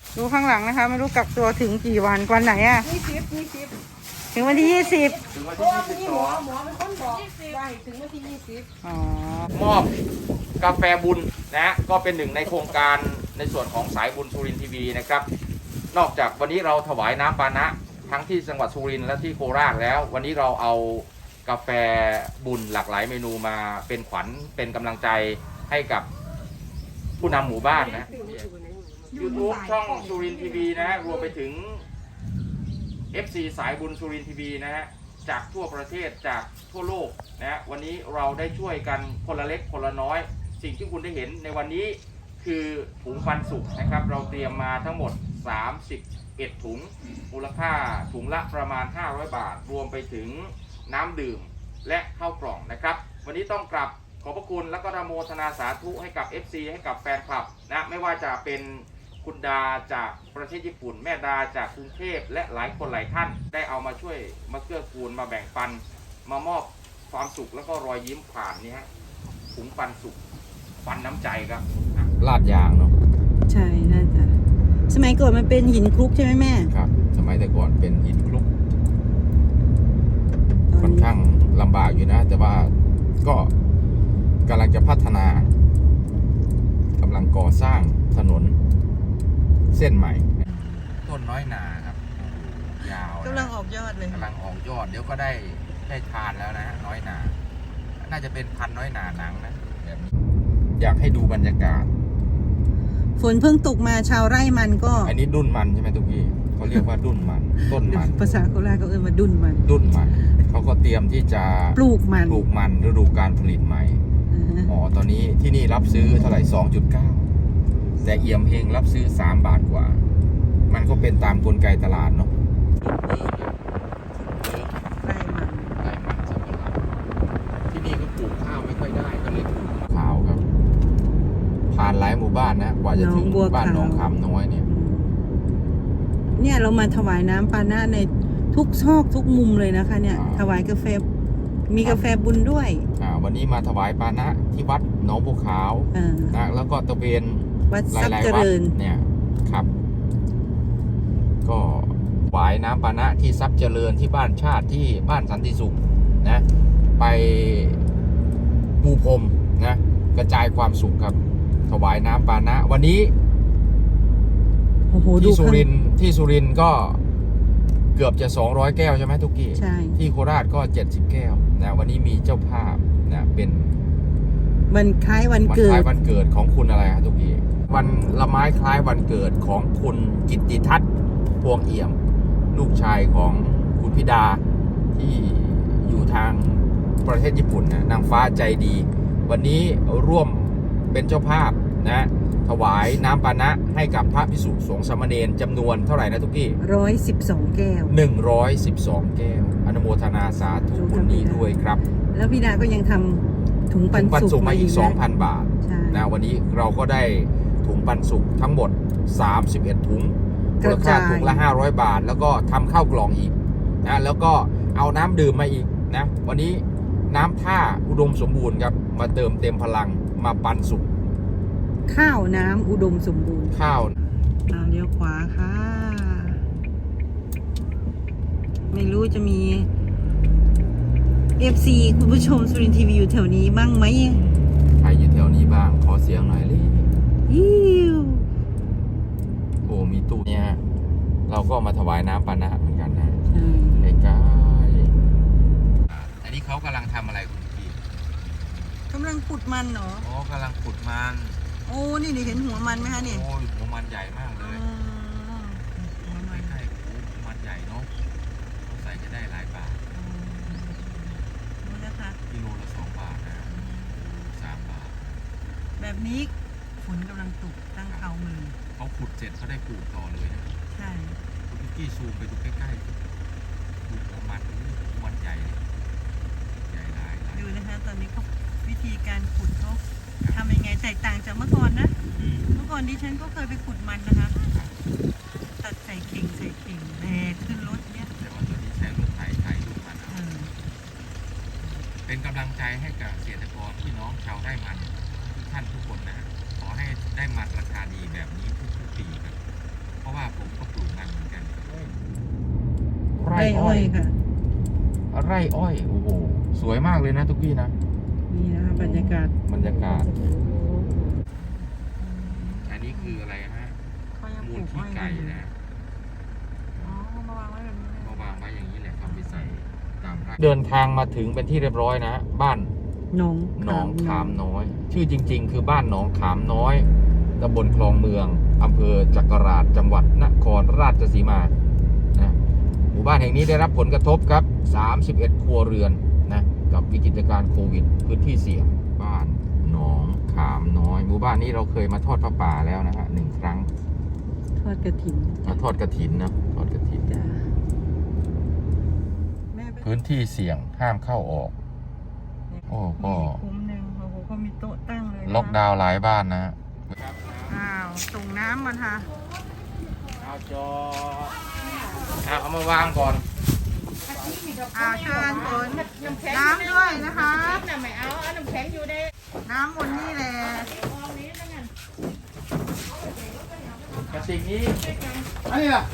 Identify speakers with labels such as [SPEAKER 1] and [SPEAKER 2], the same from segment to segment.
[SPEAKER 1] ดูข้างหลังนะคะไม่รู้กักตัวถึงกี่วันไหนอะ
[SPEAKER 2] 20
[SPEAKER 1] ถึงวันที่20
[SPEAKER 3] ถึงวัน
[SPEAKER 2] เพราะ
[SPEAKER 3] ที่
[SPEAKER 2] ว่ามีหมอ
[SPEAKER 3] 22
[SPEAKER 2] เป็นคนบอกว่าให้ถึงวันที่20
[SPEAKER 1] อ๋อ
[SPEAKER 3] มอบกาแฟบุญนะก็เป็นหนึ่งในโครงการในส่วนของสายบุญสุรินทร์ทีวีนะครับนอกจากวันนี้เราถวายน้ำปานะทั้งที่จังหวัดสุรินทร์และที่โคราชแล้ว วันนี้เราเอากาแฟบุญหลากหลายเมนูมาเป็นขวัญเป็นกำลังใจให้กับผู้นำหมู่บ้านนะ YouTube ช่องสุรินทร์ทีวีนะรวมไปถึง FC สายบุญสุรินทร์ทีวีนะฮะจากทั่วประเทศจากทั่วโลกนะวันนี้เราได้ช่วยกันคนละเล็กคนละน้อย สิ่งที่คุณได้เห็นในวันนี้คือถุงปันสุกนะครับเราเตรียมมาทั้งหมด31ถุงมูลค่าถุงละประมาณ500 บาทรวมไปถึงน้ำดื่มและข้าวกล่องนะครับวันนี้ต้องกราบขอบพระคุณและก็อนุโมทนาสาธุให้กับ FC ให้กับแฟนคลับนะไม่ว่าจะเป็นคุณดาจากประเทศญี่ปุ่นแม่ดาจากกรุงเทพและหลายคนหลายท่านได้เอามาช่วยมาเกื้อกูลมาแบ่งปันมามอบความสุขแล้วก็รอยยิ้มผ่านนี่ฮะถุงปันสุขปันน้ำใจครับลาดยางเนาะ
[SPEAKER 1] ใช่น่าจะสมัยก่อนมันเป็นหินคลุกใช่ไหมแม่
[SPEAKER 3] ครับสมัยแต่ก่อนเป็นหินคลุกค่อนข้างลำบากอยู่นะแต่ว่าก็กำลังจะพัฒนากำลังก่อสร้างถนนเส้นใหม่ต้นน้อยนาครับยาว
[SPEAKER 1] กำลังออกยอดเลย
[SPEAKER 3] กำลังออกยอดเดี๋ยวก็ได้ทานแล้วนะน้อยนาน่าจะเป็นพันน้อยนาหนังนะแบบนี้อยากให้ดูบรรยากาศ
[SPEAKER 1] ฝนเพิ่งตกมาชาวไร่มันก็
[SPEAKER 3] อันนี้ดุ้นมันใช่ไหมทุกพี่เขาเรียกว่าดุ้นมันต้นมัน
[SPEAKER 1] ภาษาโคราชเขาเรียกว่าดุ้นมัน
[SPEAKER 3] เขาก็เตรียมที่จะ
[SPEAKER 1] ปลูกมัน
[SPEAKER 3] ฤดูการผลิตใหม่อ๋อตอนนี้ที่นี่รับซื้อเท่าไหร่ 2.9 แต่เอี่ยมเฮงรับซื้อ3 บาทกว่ามันก็เป็นตามกลไกตลาดเนาะไร่มันสำปะหลังที่นี่ก็ปลูกข้าวไม่ค่อยได้ก็เลยปลูกข้าวครับผ่านหลายหมู่บ้านนะกว่าจะถึงบ้านหนองคำน้อย
[SPEAKER 1] เนี่ยเรามาถวายน้ำปานะในทุกซอกทุกมุมเลยนะคะเนี่ยถวายกาแฟมีกาแฟบุญด้วย
[SPEAKER 3] วันนี้มาถวายปานะที่วัดหนองบัวขาวนะแล้วก็ตะเวน
[SPEAKER 1] วัดทรัพย์เจริญ
[SPEAKER 3] เนี่ยครับก็ถวายน้ำปานะที่ทรัพย์เจริญที่บ้านชาติที่บ้านสันติสุขนะไปปูพรมนะกระจายความสุขครับถวายน้ำปานะวันนี้ที่สุรินทร์ก็เกือบจะ200 แก้วใช่ไหมทุกกี้
[SPEAKER 1] ใช่
[SPEAKER 3] ที่โคราชก็70 แก้วนะวันนี้มีเจ้าภาพนะเป็น
[SPEAKER 1] วันคล้ายวันเ
[SPEAKER 3] กิดของคุณอะไรฮะทุกกี้วันละไม้คล้ายวันเกิดของคุณกิตติทัศน์พวงเอี่ยมลูกชายของคุณพิดาที่อยู่ทางประเทศญี่ปุ่นนะนางฟ้าใจดีวันนี้ร่วมเป็นเจ้าภาพนะถวายน้ำปานะให้กับพระภิกษุสงฆ์สามเณรจำนวนเท่าไหร่นะทุกกี้
[SPEAKER 1] 112 แก้ว
[SPEAKER 3] 112 แก้วอนุโมทนาสาธุบุญนี้ด้วยครับ
[SPEAKER 1] แล้วพี่ดาก็ยังทำถุงปันสุก
[SPEAKER 3] มาอีก 2,000 บาทนะวันนี้เราก็ได้ถุงปันสุกทั้งหมด31 ถุงมูลค่าถุงละ500 บาทแล้วก็ทำข้าวกล่องอีกนะแล้วก็เอาน้ำดื่มมาอีกนะวันนี้น้ำท่าอุดมสมบูรณ์ครับมาเติมเต็มพลังมาปันสุก
[SPEAKER 1] ข้าวน้ำอุดมสมบูรณ์
[SPEAKER 3] ข้าว
[SPEAKER 1] เลี้ยวขวาค่ะไม่รู้จะมี FC คุณผู้ชมสุรินทร์ทีวีอยู่แถวนี้บ้างไหม
[SPEAKER 3] ใครอยู่แถวนี้บ้างขอเสียงหน่อยเลยโอ้มีตู้เนี่ยเราก็มาถวายน้ำปานะเหมือนกันนะใกล้ๆอันนี้เขากำลังทำอะไรคุณพี่
[SPEAKER 1] กำลังขุดมันเหรอ
[SPEAKER 3] อ๋อกำลังขุดมัน
[SPEAKER 1] โอ้นี่เห็นหัวมันไหมคะนี่
[SPEAKER 3] โอ้หัวมันใหญ่มากเลยหัวมันใช่หัวมันใหญ่เนาะใส่จะได้หลายบาท
[SPEAKER 1] นี่นะคะ
[SPEAKER 3] กิโลละ2 บาทนะ3 บาท
[SPEAKER 1] แบบนี้ฝนกำลังตกตั้งเขามือ
[SPEAKER 3] เขาขุดเสร็จเขาได้ปลูกต่อเลยนะ
[SPEAKER 1] ใช่
[SPEAKER 3] คุณพี่ซูมไปดูใกล้ๆดูหัวมันใหญ่หลาย
[SPEAKER 1] ดูนะคะตอนนี้เขาวิธีการขุดเขาทำยังไงแตกต่างจากเมื่อก่อนนะเมื่อก่อนดิฉันก็เคยไปขุดมันนะคะตัดใส่เข่งแบกขึ้นรถเนี่ย
[SPEAKER 3] แต่ว่าตอนนี้ใช้รถไถดูมันเป็นกำลังใจให้กับเกษตรกรพี่น้องชาวไร่มันทุกท่านทุกคนนะขอให้ได้มันราคาดีแบบนี้ทุกปีครับเพราะร่อ้อย
[SPEAKER 1] ค่ะ
[SPEAKER 3] ไร่อ้อยโอ้โหสวยมากเลยนะทุกพี่นะ
[SPEAKER 1] นี่นะคะบรรยากาศ
[SPEAKER 3] บรรยากาศอันนี้คืออะไรฮะ
[SPEAKER 1] เขายัง
[SPEAKER 3] มู
[SPEAKER 1] ป
[SPEAKER 3] ล
[SPEAKER 1] ลูก
[SPEAKER 3] ขี้
[SPEAKER 1] อ้อย
[SPEAKER 3] ไก่
[SPEAKER 1] กันอยู่
[SPEAKER 3] นะ
[SPEAKER 1] อ๋อเขามาวางไว้แบบนี้เลย
[SPEAKER 3] มาวางไว้อย่างนี้แหละครับไปใส่ตามไร่เดินทางมาถึงเป็นที่เรียบร้อยนะบ้าน
[SPEAKER 1] หนอง
[SPEAKER 3] หนองขามน้อย ชื่อจริง ๆ คือบ้านหนองขามน้อยตำบลคลองเมืองอำเภอจักราชจังหวัดนครราชสีมานะหมู่บ้านแห่งนี้ได้รับผลกระทบครับ 31 ครัวเรือนนะกับวิกฤตการณ์โควิด พื้นที่เสี่ยงบ้านหนองขามน้อย หมู่บ้านนี้เราเคยมาทอดผ้าป่าแล้วนะฮะ1 ครั้ง
[SPEAKER 1] ทอดกระถิ่น
[SPEAKER 3] มาทอดกระถินนะทอดกระถิน
[SPEAKER 1] จ้ะแม่ไป
[SPEAKER 3] พื้นที่เสี่ยงห้ามเข้าออก โอ้ก็
[SPEAKER 1] มีคุ้มหนึ่งโอ้โหเขามีโต๊ะตั้งเลยนะ
[SPEAKER 3] ล็อกดาวน์หลายบ้านนะ
[SPEAKER 1] อ้าวส่งน้ำมันค่ะ
[SPEAKER 3] เอาจอเอามาวางก่อน
[SPEAKER 1] อ้าวช่วยกันขนน้ำด้วยนะคะ
[SPEAKER 2] น้ำไม่เอาน้ำแข็งอยู่ใน
[SPEAKER 1] น้ำบนนี่แหละ
[SPEAKER 3] กระติกนี้อันนี้ล่ะ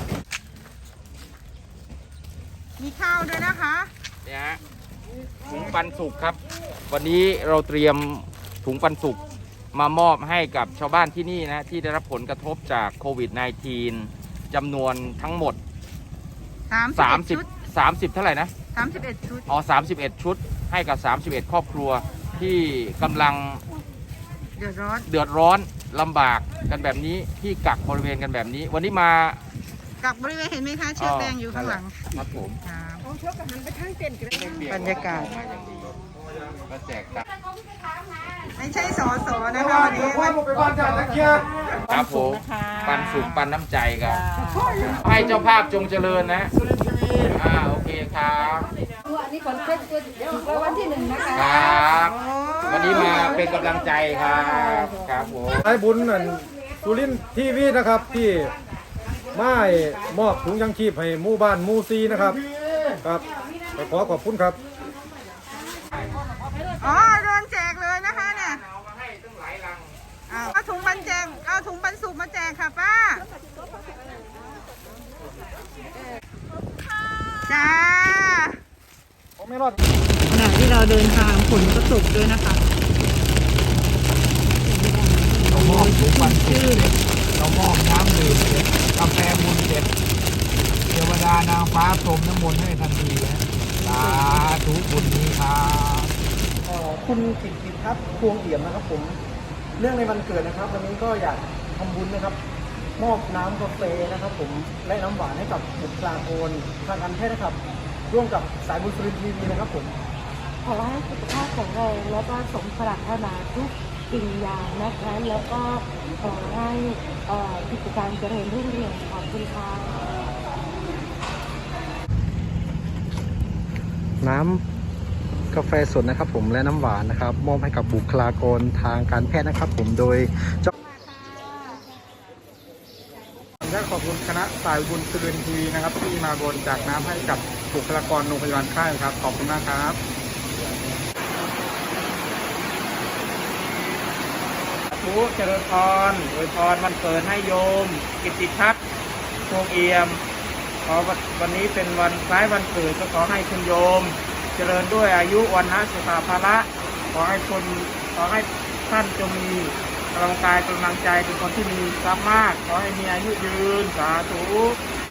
[SPEAKER 1] มีข้าวด้วยนะคะ
[SPEAKER 3] เนี่ยฮะถุงปันสุกครับ วันนี้เราเตรียมถุงปันสุกมามอบให้กับชาวบ้านที่นี่นะที่ได้รับผลกระทบจากโควิด -19 จำนวนทั้งหมด
[SPEAKER 1] 30 ชุด
[SPEAKER 3] 30เท่าไหร่นะ
[SPEAKER 1] 31 ชุด
[SPEAKER 3] อ๋อ31 ชุดให้กับ 31 ครอบครัวที่กำลัง
[SPEAKER 1] เดือดร้อน
[SPEAKER 3] เดือดร้อนลำบากกันแบบนี้ที่กักบริเวณกันแบบนี้ วันนี้มา
[SPEAKER 1] กับบริเวณเห็นไหมคะเชือกแดงอยู่ข้างหลัง
[SPEAKER 3] ครับผม
[SPEAKER 1] ครับ
[SPEAKER 2] เอาเชือกกับหันไปข้างเต็นท์กันเลย
[SPEAKER 1] บรรยากาศ
[SPEAKER 3] มาอย่างดีมาแจกตังค์
[SPEAKER 1] ไม่ใช่สอสอนะคะวันนี้มัน
[SPEAKER 3] ครับผมปันสุกปันน้ำใจครับให้เจ้าภาพจงเจริญนะโอเคครับ
[SPEAKER 2] อันนี้คนเซ็ตตัวถูกรางวัลที่1นะคะ
[SPEAKER 3] ครับ วันนี้มาเป็นกำลังใจครับครับผม
[SPEAKER 4] สายบุญนั่นสุรินทร์ทีวีนะครับที่มามอบถุงยังชีพให้หมู่บ้านหมู่ซีนะครับครับไปขอขอบคุณครับ
[SPEAKER 1] อ๋อโดนแจกเลยนะคะเนี่ย
[SPEAKER 3] เอามาให้ตั้งหลายลัง
[SPEAKER 1] เอาถุงปันแจกเอาถุงปันสุกมาแจกค่ะป้าจ้า
[SPEAKER 4] ผมไม่รอด
[SPEAKER 1] ขณะที่เราเดินทางฝนก็ตกด้วยนะคะ
[SPEAKER 3] เรามอบถุงปันสุกเรามอบน้ำดื่มกาแฟบุญเด็ดเทวดานางฟ้าพรมน้ำมนต์ให้ทันทีนะสาธุบุญนี้ครับ
[SPEAKER 4] คุณกิตติพัฒน์พวงเอี่ยมนะครับผมเรื่องในวันเกิดนะครับวันนี้ก็อยากทำบุญนะครับ มอบน้ำกาแฟนะครับผมและน้ำหวานให้กับบุคลากรทางการแพทย์นะครับ ร่วมกับสายบุญสุรินทร์ทีวีนะครับผม
[SPEAKER 2] ขอให้สุขภาพแข็งแรงแล้วก็สมปรารถนาทุกสิ่งอย่างนะคะแล้วก็ขอให้กิจการเจริญรุ่งเรืองขอบคุณค่ะ
[SPEAKER 4] น้ำกาแฟสดนะครับผมและน้ำหวานนะครับมอบให้กับบุคลากรทางการแพทย์นะครับผมโดยและขอบคุณคณะสายบุญสุรินทร์ทีวีนะครับที่มาบริจาคน้ำให้กับบุคลากรโรงพยาบาลค่ายครับขอบคุณมากครับทุกเจริญพรอวยพรวันเกิดให้โยมกิตติพัฒน์พวงเอี่ยมขอวันนี้เป็นวันคล้ายวันเกิดก็ขอให้คุณโยม เจริญด้วยอายุวันนะสุขาภาระขอให้ท่านจงมีกำลังกายกำลังใจเป็นคนที่มีทรัพย์มากขอให้มีอายุยืนสาธุ